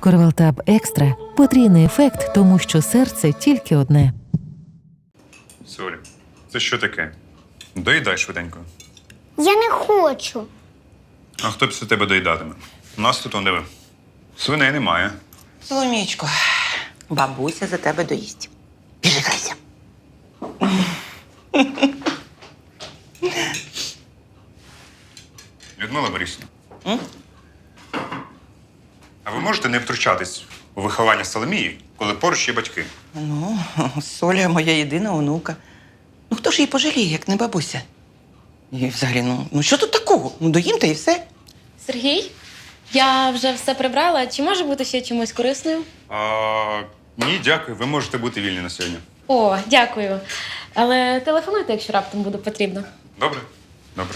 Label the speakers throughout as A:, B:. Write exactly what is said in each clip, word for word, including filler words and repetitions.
A: Корвалтаб Екстра – потрійний ефект, тому що серце тільки одне.
B: Соля, це що таке? Доїдай швиденько.
C: Я не хочу.
B: А хто після тебе доїдатиме? У нас тут, он диви, свиней немає.
D: Соломічко, бабуся за тебе доїсть. Біжи, грайся.
B: Людмила Борисівна. А ви можете не втручатись у виховання Соломії, коли поруч є батьки?
D: Ну, Соля моя єдина онука. Ну хто ж її пожаліє, як не бабуся? І взагалі, ну, ну що тут такого? Ну доїм та і все.
E: Сергій, я вже все прибрала. Чи може бути ще чимось корисною?
B: А, ні, дякую. Ви можете бути вільні на сьогодні.
E: О, дякую. Але телефонуйте, якщо раптом буде потрібно.
B: Добре? Добре.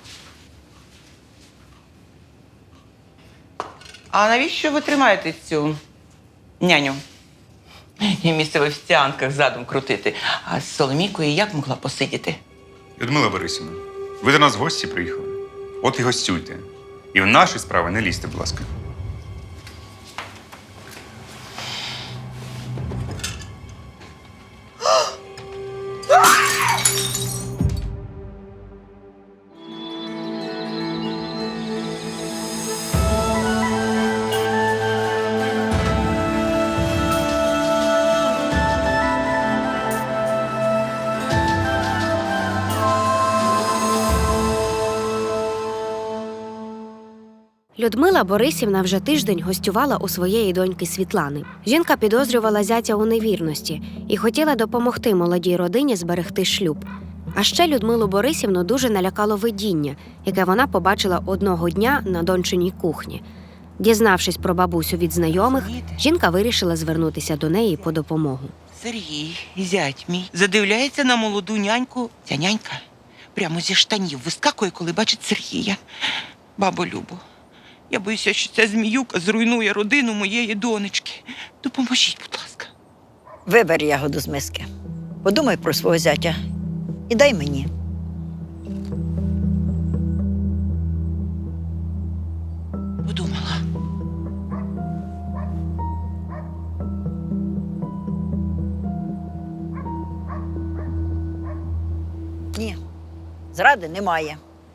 D: А навіщо ви тримаєте цю няню? І місце в офіціантках задом крутити. А з Соломійкою як могла посидіти?
B: Людмила Борисівна, ви до нас в гості приїхали. От і гостюйте. І в наші справи не лізьте, будь ласка.
F: Людмила Борисівна вже тиждень гостювала у своєї доньки Світлани. Жінка підозрювала зятя у невірності і хотіла допомогти молодій родині зберегти шлюб. А ще Людмилу Борисівну дуже налякало видіння, яке вона побачила одного дня на дончиній кухні. Дізнавшись про бабусю від знайомих, жінка вирішила звернутися до неї по допомогу.
D: Сергій, зять мій, задивляється на молоду няньку. Ця нянька прямо зі штанів вискакує, коли бачить Сергія. Бабо Любо, я боюся, що ця зміюка зруйнує родину моєї донечки. Допоможіть, будь ласка.
G: Вибери ягоду з миски. Подумай про свого зятя і дай мені.
D: Подумала.
G: Ні, зради немає.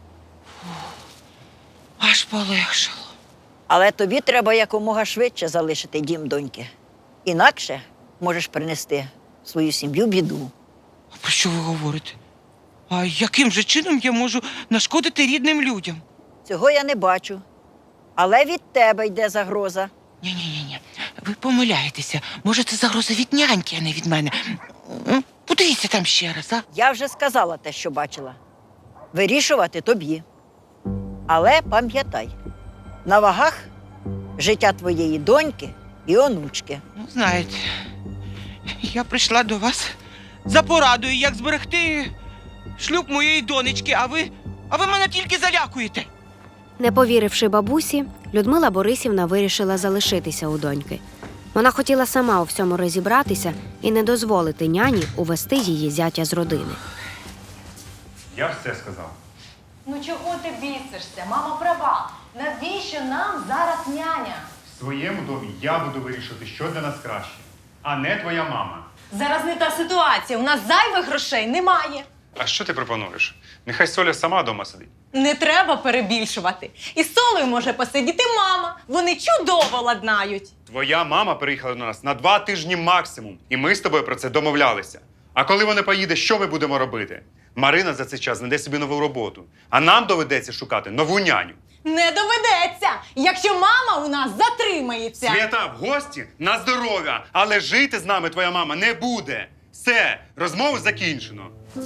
D: Аж полегшало.
G: Але тобі треба якомога швидше залишити дім доньки. Інакше можеш принести в свою сім'ю біду.
D: А про що ви говорите? А яким же чином я можу нашкодити рідним людям?
G: Цього я не бачу. Але від тебе йде загроза.
D: Ні-ні-ні, ви помиляєтеся. Може, це загроза від няньки, а не від мене. М, Подивіться там ще раз, а?
G: Я вже сказала те, що бачила. Вирішувати тобі. Але пам'ятай, на вагах життя твоєї доньки і онучки.
D: Ну, знаєте, я прийшла до вас за порадою, як зберегти шлюб моєї донечки, а ви, а ви мене тільки залякуєте.
F: Не повіривши бабусі, Людмила Борисівна вирішила залишитися у доньки. Вона хотіла сама у всьому розібратися і не дозволити няні увести її зятя з родини.
B: Я все сказав.
H: Ну чого ти бісишся? Мама права. Навіщо нам зараз няня?
B: В своєму домі я буду вирішувати, що для нас краще, а не твоя мама.
H: Зараз не та ситуація. У нас зайвих грошей немає.
B: А що ти пропонуєш? Нехай Соля сама вдома сидить.
H: Не треба перебільшувати. І з Солею може посидіти мама. Вони чудово ладнають.
B: Твоя мама приїхала до нас на два тижні максимум, і ми з тобою про це домовлялися. А коли вона поїде, що ми будемо робити? Марина за цей час знайде собі нову роботу, а нам доведеться шукати нову няню.
H: Не доведеться, якщо мама у нас затримається.
B: Свята, в гості на здоров'я, але жити з нами твоя мама не буде. Все, розмову закінчено.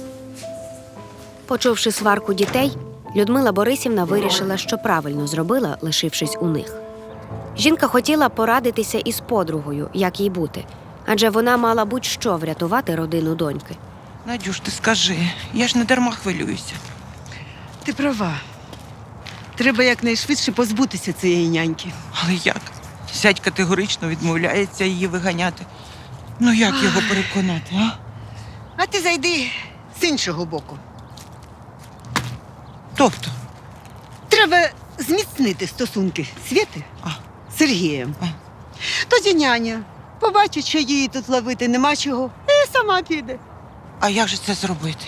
F: Почувши сварку дітей, Людмила Борисівна вирішила, що правильно зробила, лишившись у них. Жінка хотіла порадитися із подругою, як їй бути, адже вона мала будь-що врятувати родину доньки.
D: Надюш, ти скажи, я ж не дарма хвилююся.
I: Ти права. Треба якнайшвидше позбутися цієї няньки.
D: Але як? Зять категорично відмовляється її виганяти. Ну як його переконати, а?
I: А ти зайди з іншого боку.
D: Тобто?
I: Треба зміцнити стосунки Світи
D: А.
I: з Сергієм.
D: А.
I: Тоді няня побачить, що її тут ловити нема чого, і сама піде.
D: А як же це зробити?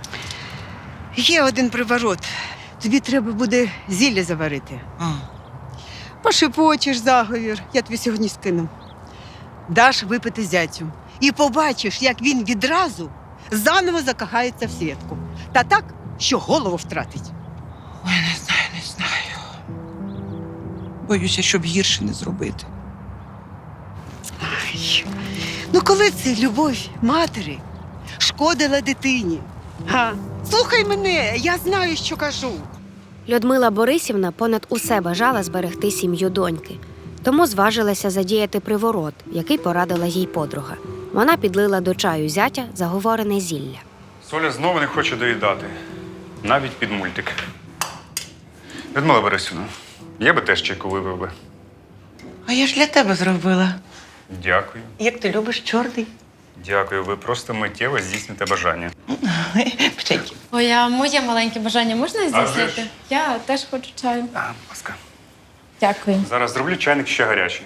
I: Є один приворот. Тобі треба буде зілля заварити.
D: А,
I: Пошепочеш заговір, я тобі сьогодні скину. Даш випити зятю. І побачиш, як він відразу заново закохається в Свєтку. Та так, що голову втратить.
D: ой, не знаю, не знаю. Боюся, щоб гірше не зробити.
I: Ай, ну коли це любов матері шкодила дитині? Га? Слухай мене, я знаю, що кажу.
F: Людмила Борисівна понад усе бажала зберегти сім'ю доньки, тому зважилася задіяти приворот, який порадила їй подруга. Вона підлила до чаю зятя заговорене зілля.
B: Соля знову не хоче доїдати. Навіть під мультик. Людмила Борисівна, я би теж чайку випив би.
D: А я ж для тебе зробила.
B: Дякую.
D: Як ти любиш чорний?
B: Дякую, ви просто миттєво здійсните бажання.
D: Чайки.
E: Ой, а моє маленьке бажання можна
B: вже
E: здійснити?
B: ж.
E: Я теж хочу чаю.
B: А, будь ласка.
E: Дякую.
B: Зараз зроблю чайник ще гарячий.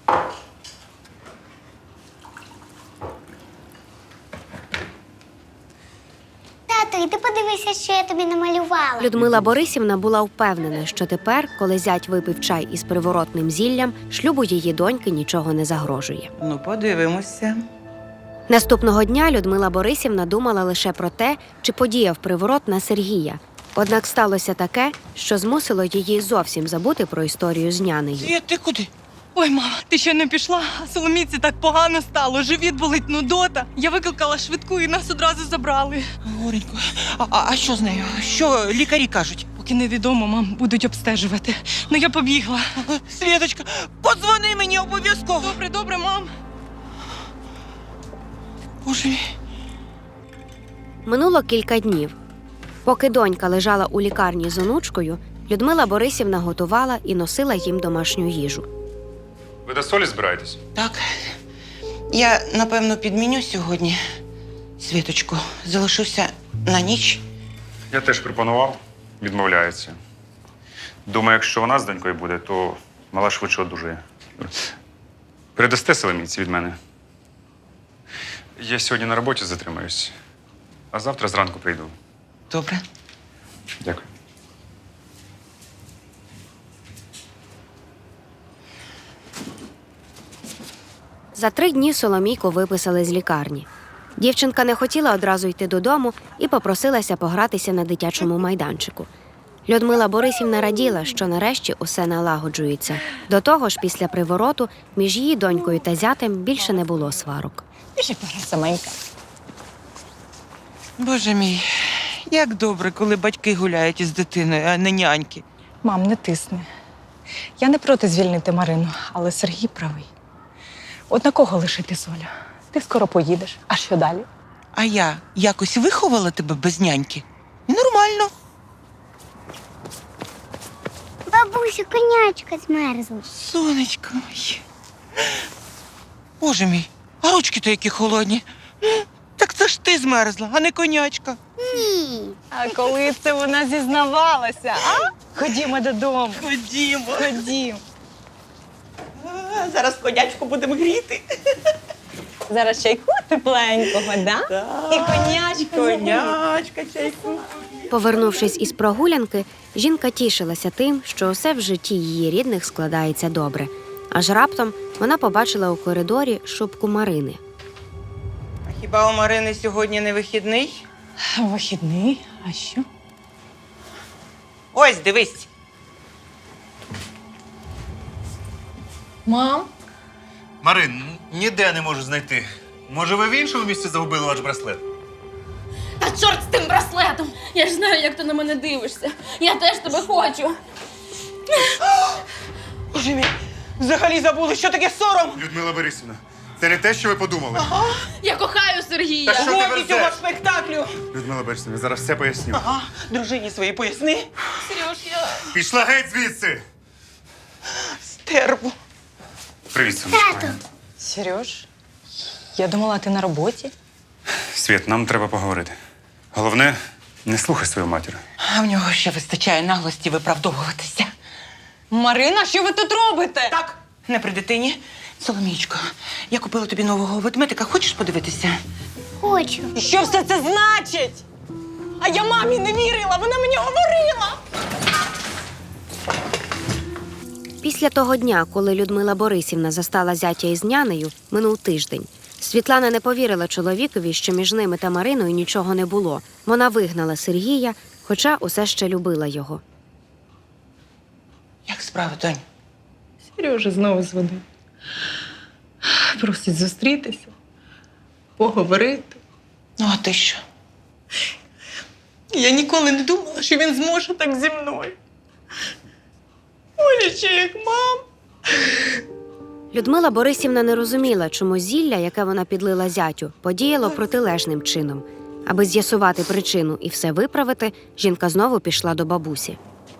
C: Тато, і ти подивися, що я тобі намалювала.
F: Людмила Борисівна була впевнена, що тепер, коли зять випив чай із приворотним зіллям, шлюбу її доньки нічого не загрожує.
D: Ну, подивимося.
F: Наступного дня Людмила Борисівна думала лише про те, чи подіяв приворот на Сергія. Однак сталося таке, що змусило її зовсім забути про історію з нянею.
D: Світ, ти куди?
H: Ой, мама, ти ще не пішла? Соломіці так погано стало. Живіт болить, нудота. Я викликала швидку і нас одразу забрали.
D: Горенько. А, а, а що з нею? Що лікарі кажуть?
H: Поки невідомо, мам, будуть обстежувати. Ну я побігла.
D: Світочка, подзвони мені обов'язково.
H: Добре, добре, мам.
D: Боже мій.
F: Минуло кілька днів. Поки донька лежала у лікарні з онучкою, Людмила Борисівна готувала і носила їм домашню їжу.
B: Ви до Солі збираєтесь?
D: Так. Я, напевно, підміню сьогодні. Світочку, залишуся на ніч.
B: Я теж пропонував. Відмовляється. Думаю, якщо вона з донькою буде, то мала швидше одужає. Передасте Соломійці від мене. Я сьогодні на роботі затримаюсь, а завтра зранку прийду.
D: Добре.
B: Дякую.
F: За три дні Соломійку виписали з лікарні. Дівчинка не хотіла одразу йти додому і попросилася погратися на дитячому майданчику. Людмила Борисівна раділа, що нарешті усе налагоджується. До того ж, після привороту між її донькою та зятем більше не було сварок.
H: Ще пора саменька.
D: Боже мій, як добре, коли батьки гуляють із дитиною, а не няньки.
H: Мам, не тисни. Я не проти звільнити Марину, але Сергій правий. От на кого лишити Соля? Ти скоро поїдеш. А що далі?
D: А я якось виховала тебе без няньки? І нормально.
C: Бабусю, конячка змерзла.
D: Сонечко моє. Боже мій, а ручки-то які холодні. Так це ж ти змерзла, а не конячка.
C: Ні.
H: А коли це вона зізнавалася, а? Ходімо додому.
D: Ходімо.
H: Ходімо.
D: А, зараз конячку будемо гріти.
H: Зараз чайку тепленького, да?
D: Так.
H: І конячку.
D: Конячка, чайку.
F: Повернувшись із прогулянки, жінка тішилася тим, що усе в житті її рідних складається добре. Аж раптом вона побачила у коридорі шубку Марини.
D: А хіба у Марини сьогодні не вихідний?
H: Вихідний, а що?
D: Ось, дивись.
H: Мам?
J: Марин, ніде не можу знайти. Може, ви в іншому місці загубили ваш браслет?
E: Та чорт з тим браслетом! Я ж знаю, як ти на мене дивишся. Я теж тебе хочу.
D: Боже мій, взагалі забули, що таке сором.
B: Людмила Борисівна, це не те, що ви подумали.
E: Я кохаю Сергія.
B: Та що ти
D: Годі цього
B: верзеш?
D: спектаклю.
B: Людмила Борисівна, я зараз все поясню.
D: Ага, дружині своїй поясни.
E: Сереж, я...
B: Пішла геть звідси!
D: Стерву.
B: Привіт, сонечко.
C: Тату.
H: Сереж, я думала, ти на роботі.
B: Світ, нам треба поговорити. Головне, не слухай свою матір.
D: А в нього ще вистачає наглості виправдовуватися.
H: Марина, що ви тут робите?
D: Так, Не при дитині. Соломійчко, я купила тобі нового ведмедика. Хочеш подивитися?
C: Хочу.
H: Що все це значить? А я мамі не вірила, вона мені говорила.
F: Після того дня, коли Людмила Борисівна застала зятя із нянею, минув тиждень. Світлана не повірила чоловікові, що між ними та Мариною нічого не було. Вона вигнала Сергія, хоча усе ще любила його.
D: Як справи, донь?
H: Сережа знову дзвонив. Просить зустрітися, поговорити.
D: Ну, а ти що?
H: Я ніколи не думала, що він зможе так зі мною. Ой, ще як мам.
F: Людмила Борисівна не розуміла, чому зілля, яке вона підлила зятю, подіяло протилежним чином. Аби з'ясувати причину і все виправити, жінка знову пішла до бабусі.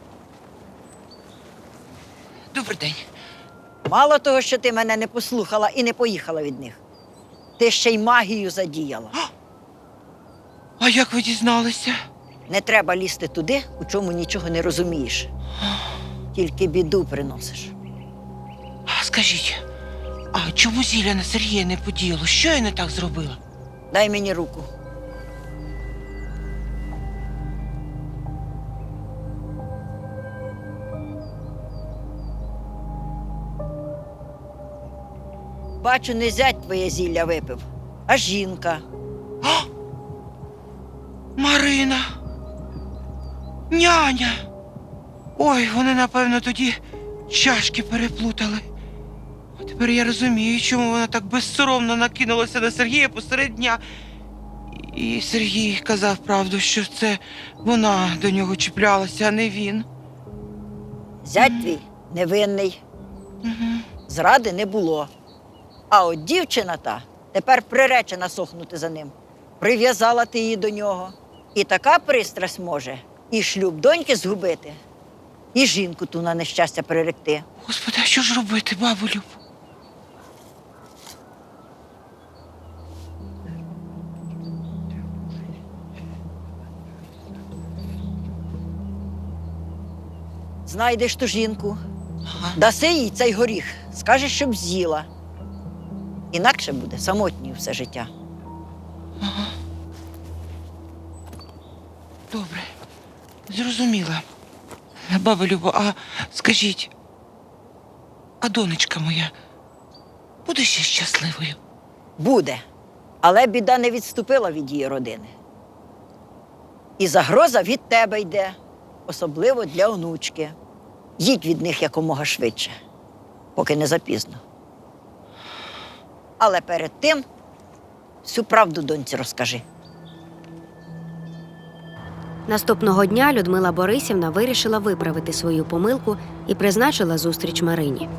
D: Добрий день.
G: Мало того, що ти мене не послухала і не поїхала від них. Ти ще й магію задіяла.
D: А як ви дізналися?
G: Не треба лізти туди, у чому нічого не розумієш. Тільки біду приносиш.
D: А скажіть, а чому зілля на Сергія не подіяло? Що я не так зробила?
G: Дай мені руку. Бачу, не зять твоє зілля випив, а жінка.
D: Марина! Няня! Ой, вони, напевно, тоді чашки переплутали. А тепер я розумію, чому вона так безсоромно накинулася на Сергія посеред дня. І Сергій казав правду, що це вона до нього чіплялася, а не він.
G: Зять твій невинний,
D: Угу.
G: зради не було. А от дівчина та тепер приречена сохнути за ним. Прив'язала ти її до нього. І така пристрасть може і шлюб доньки згубити, і жінку ту на нещастя приректи.
D: Господи, а що ж робити, бабу Люб?
G: Знайдеш ту жінку,
D: Ага.
G: даси їй цей горіх, скажеш, щоб з'їла. Інакше буде самотньою все життя.
D: Ага. Добре, зрозуміла. Баба Любо, а скажіть, а донечка моя буде ще щасливою?
G: Буде, але біда не відступила від її родини. І загроза від тебе йде, особливо для онучки. Їдь від них якомога швидше, поки не запізно. Але перед тим всю правду доньці розкажи.
F: Наступного дня Людмила Борисівна вирішила виправити свою помилку і призначила зустріч Марині.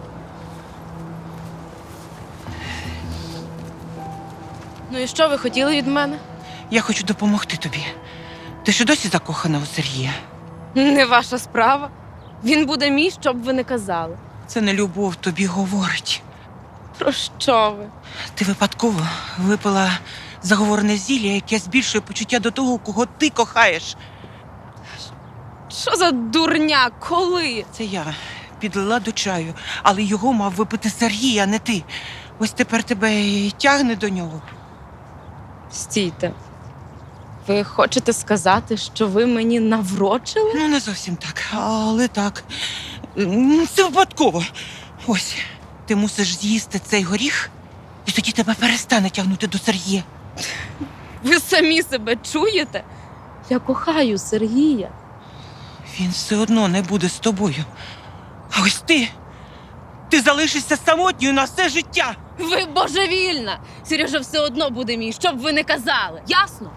E: Ну і що ви хотіли від мене?
D: Я хочу допомогти тобі. Ти що досі закохана у Сергія?
E: Не ваша справа. Він буде мій, що б ви не казали.
D: Це не любов тобі говорить.
E: Про що ви?
D: Ти випадково випила заговорене зілля, яке збільшує почуття до того, кого ти кохаєш.
E: Що за дурня? Коли?
D: Це я підлила до чаю, але його мав випити Сергій, а не ти. Ось тепер тебе і тягне до нього.
E: Стійте. Ви хочете сказати, що ви мені наврочили?
D: Ну, не зовсім так, але так. М, Це випадково. Ось, ти мусиш з'їсти цей горіх, і тоді тебе перестане тягнути до Сергія.
E: Ви самі себе чуєте? Я кохаю Сергія.
D: Він все одно не буде з тобою. А ось ти, ти залишишся самотньою на все життя.
E: Ви божевільна! Сережа все одно буде мій, що б ви не казали. Ясно?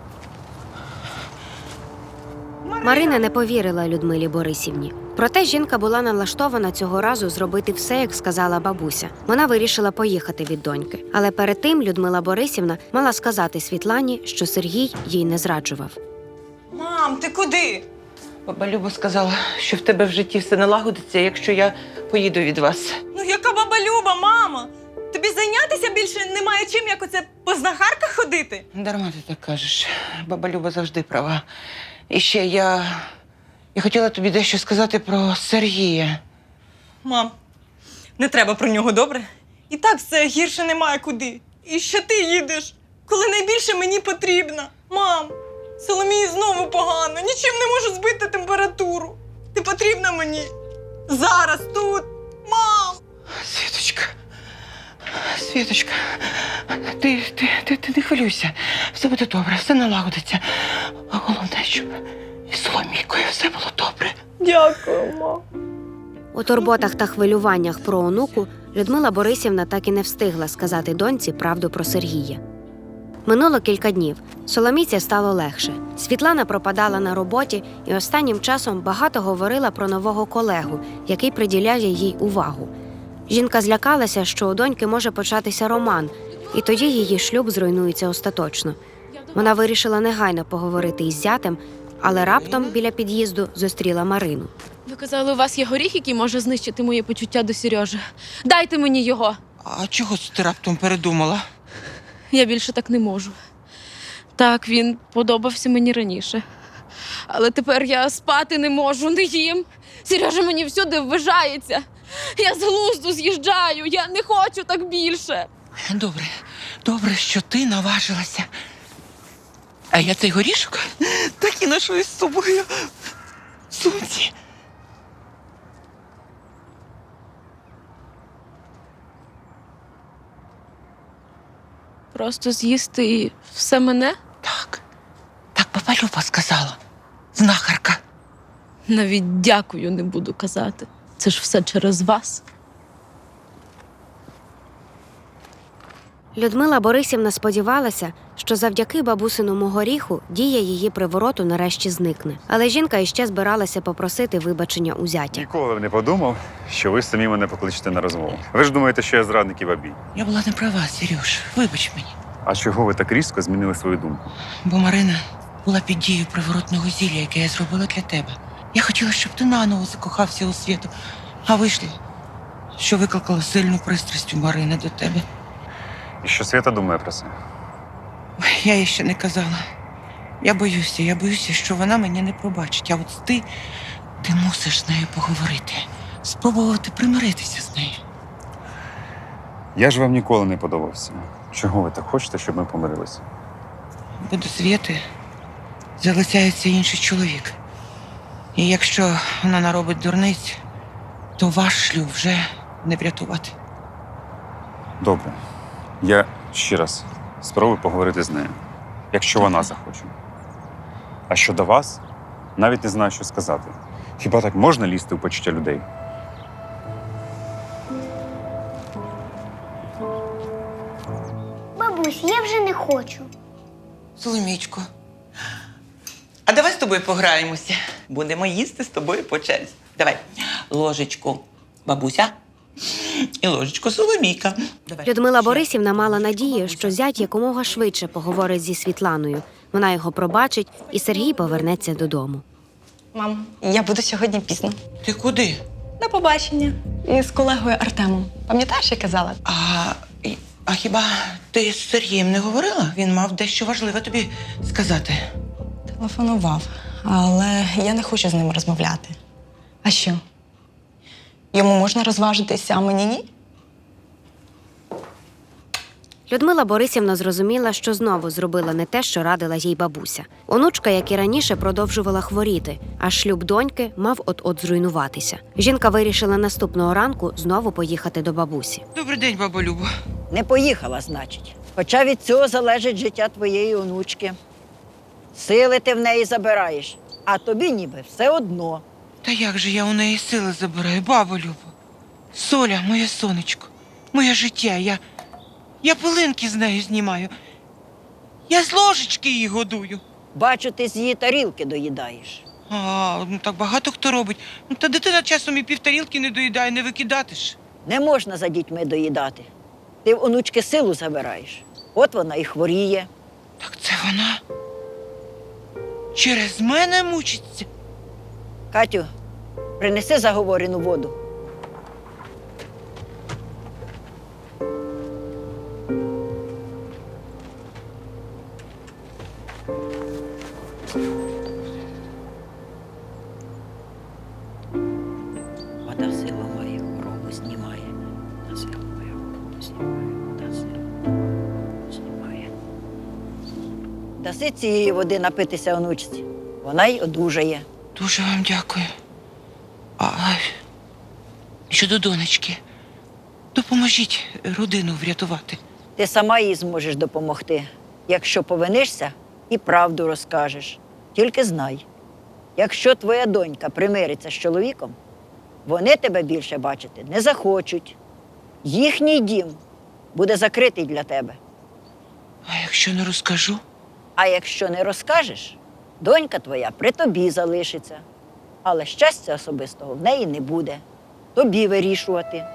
F: Марина не повірила Людмилі Борисівні. Проте жінка була налаштована цього разу зробити все, як сказала бабуся. Вона вирішила поїхати від доньки. Але перед тим Людмила Борисівна мала сказати Світлані, що Сергій їй не зраджував.
H: Мам, ти куди?
D: Баба Люба сказала, що в тебе в житті все налагодиться, якщо я поїду від вас.
H: Ну яка баба Люба, мама? Тобі зайнятися більше немає чим, як оце по знахарках ходити?
D: Дарма ти так кажеш. Баба Люба завжди права. І ще я... Я хотіла тобі дещо сказати про Сергія.
H: Мам, Не треба про нього, добре? І так все гірше немає куди. І ще ти їдеш, коли найбільше мені потрібно. Мам, Соломії знову погано, нічим не можу збити температуру. Ти потрібна мені. Зараз, тут. Мам!
D: Світочка, Світочка, ти, ти, ти, ти не хвилюйся. Все буде добре, все налагодиться. А головне, щоб із Соломійкою все було добре.
H: Дякую, мам.
F: У турботах та хвилюваннях про онуку Людмила Борисівна так і не встигла сказати доньці правду про Сергія. Минуло кілька днів. Соломійці стало легше. Світлана пропадала на роботі і останнім часом багато говорила про нового колегу, який приділяє їй увагу. Жінка злякалася, що у доньки може початися роман, і тоді її шлюб зруйнується остаточно. Вона вирішила негайно поговорити із зятем, але раптом біля під'їзду зустріла Марину.
E: Ви казали, у вас є горіх, який може знищити моє почуття до Сережі. Дайте мені його.
D: А чого ти раптом передумала?
E: Я більше так не можу. Так, він подобався мені раніше. Але тепер я спати не можу, не їм. Сережа мені всюди ввижається. Я з глузду з'їжджаю, я не хочу так більше.
D: Добре, добре, що ти наважилася. А я цей горішок так і ношу із собою в сумці.
E: Просто з'їсти і все мене?
D: Так, так баба Люба сказала. Знахарка.
E: Навіть дякую не буду казати. Це ж все через вас.
F: Людмила Борисівна сподівалася, що завдяки бабусиному горіху дія її привороту нарешті зникне. Але жінка іще збиралася попросити вибачення у зятя.
B: Ніколи б не подумав, що ви самі мене покличете на розмову. Ви ж думаєте, що я зрадник і бабій.
D: Я була не права, Сереж. Вибач мені.
B: А чого ви так різко змінили свою думку?
D: Бо Марина була під дією приворотного зілля, яке я зробила для тебе. Я хотіла, щоб ти наново закохався у Світу. А вийшло, що викликала сильну пристрасть у Марини до тебе.
B: І що Свята думає про це?
D: Ой, я їй ще не казала. Я боюся, я боюся, що вона мене не пробачить. А от ти, ти мусиш з нею поговорити. Спробувати примиритися з нею.
B: Я ж вам ніколи не подобався. Чого ви так хочете, щоб ми помирилися?
D: Бо до Світи залицяється інший чоловік. І якщо вона наробить дурниць, то ваш шлюб вже не врятувати.
B: Добре. Я ще раз спробую поговорити з нею, якщо вона захоче. А щодо вас, навіть не знаю, що сказати. Хіба так можна лізти у почуття людей?
C: Бабусь, я вже не хочу.
D: Соломічко, а давай з тобою пограємося. Будемо їсти з тобою по черзі. Давай. Ложечку бабуся і ложечку Соломійка. Давай.
F: Людмила Борисівна мала надію, що зять якомога швидше поговорить зі Світланою. Вона його пробачить, і Сергій повернеться додому.
H: Мам, я буду сьогодні пізно.
D: Ти куди?
H: На побачення. І з колегою Артемом. Пам'ятаєш, я казала?
D: А, і- а хіба ти з Сергієм не говорила? Він мав дещо важливе тобі сказати.
H: Телефонував, але я не хочу з ним розмовляти. А що? Йому можна розважитися, а мені ні?
F: Людмила Борисівна зрозуміла, що знову зробила не те, що радила їй бабуся. Онучка, як і раніше, продовжувала хворіти, а шлюб доньки мав от-от зруйнуватися. Жінка вирішила наступного ранку знову поїхати до бабусі.
D: Добрий день, бабо Любо.
G: Не поїхала, значить. Хоча від цього залежить життя твоєї онучки. Сили ти в неї забираєш, а тобі ніби все одно.
D: Та як же я у неї сили забираю, бабо Любо? Соля, моє сонечко, моє життя, я... Я пилинки з нею знімаю. Я з ложечки її годую.
G: Бачу, ти з її тарілки доїдаєш.
D: А, ну так багато хто робить. Ну та дитина часом і півтарілки не доїдає, не викидати ж.
G: Не можна за дітьми доїдати. Ти в онучки силу забираєш. От вона і хворіє.
D: Так це вона через мене мучиться.
G: Катю, принеси заговорену воду. Вода силу має, хворобу знімає. Даси цієї води напитися онучці. Вона й одужає.
D: Дуже вам дякую. А щодо донечки, допоможіть родину врятувати.
G: Ти сама їй зможеш допомогти. Якщо повинишся, і правду розкажеш. Тільки знай, якщо твоя донька примириться з чоловіком, вони тебе більше бачити не захочуть. Їхній дім буде закритий для тебе.
D: А якщо не розкажу?
G: А якщо не розкажеш, донька твоя при тобі залишиться. Але щастя особистого в неї не буде. Тобі вирішувати.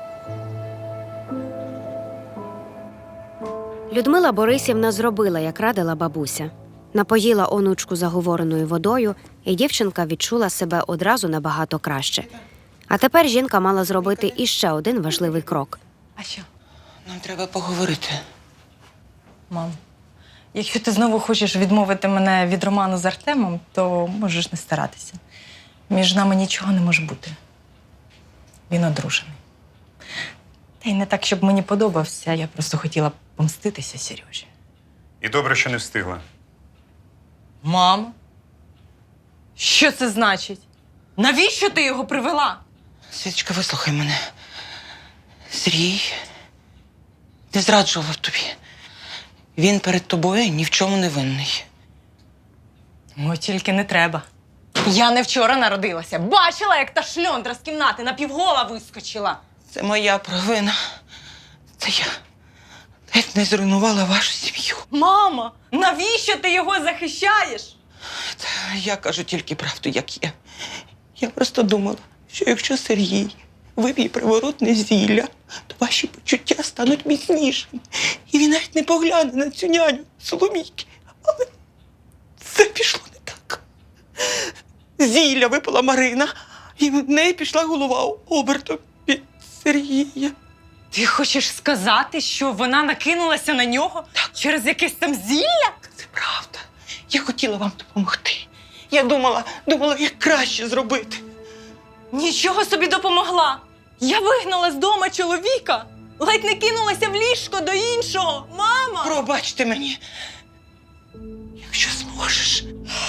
F: Людмила Борисівна зробила, як радила бабуся. Напоїла онучку заговореною водою, і дівчинка відчула себе одразу набагато краще. А тепер жінка мала зробити іще один важливий крок.
H: А що?
D: Нам треба поговорити.
H: Мам, якщо ти знову хочеш відмовити мене від роману з Артемом, то можеш не старатися. Між нами нічого не може бути. Він одружений. Та й не так, щоб мені подобався, я просто хотіла помститися Сережі.
B: І добре, що не встигла.
H: Мам, що це значить? Навіщо ти його привела?
D: Світочка, вислухай мене. Сергій не зраджував тобі. Він перед тобою ні в чому не винний.
H: Ой, тільки не треба. Я не вчора народилася. Бачила, як та шльондра з кімнати напівгола вискочила.
D: Це моя провина. Це я ледь не зруйнувала вашу сім'ю.
H: Мама, навіщо ти його захищаєш?
D: Та я кажу тільки правду, як є. Я просто думала, що якщо Сергій вип'є приворотне зілля, то ваші почуття стануть міцнішими. І він навіть не погляне на цю няню Соломійки. Але це пішло не так. Зілля випила Марина, і в неї пішла голова обертом від Сергія.
H: Ти хочеш сказати, що вона накинулася на нього через якесь там зілля?
D: Це правда. Я хотіла вам допомогти. Я думала, думала, як краще зробити.
H: Нічого собі допомогла. Я вигнала з дома чоловіка. Ледь не кинулася в ліжко до іншого. Мама!
D: Пробачте мені, якщо зможеш.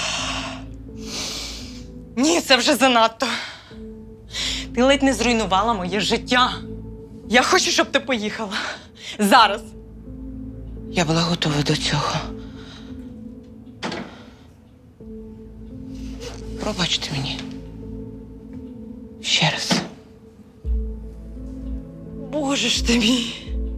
H: Ні, це вже занадто. Ти ледь не зруйнувала моє життя. Я хочу, щоб ти поїхала. Зараз.
D: Я була готова до цього. Пробачте мені. Ще раз.
H: Боже ж ти мій.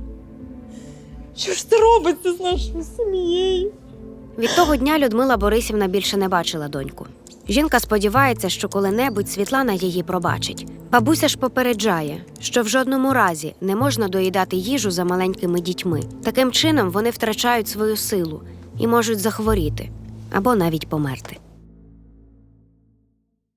H: Що ж це робиться з нашою сім'єю?
F: Від того дня Людмила Борисівна більше не бачила доньку. Жінка сподівається, що коли-небудь Світлана її пробачить. Бабуся ж попереджає, що в жодному разі не можна доїдати їжу за маленькими дітьми. Таким чином вони втрачають свою силу і можуть захворіти або навіть померти.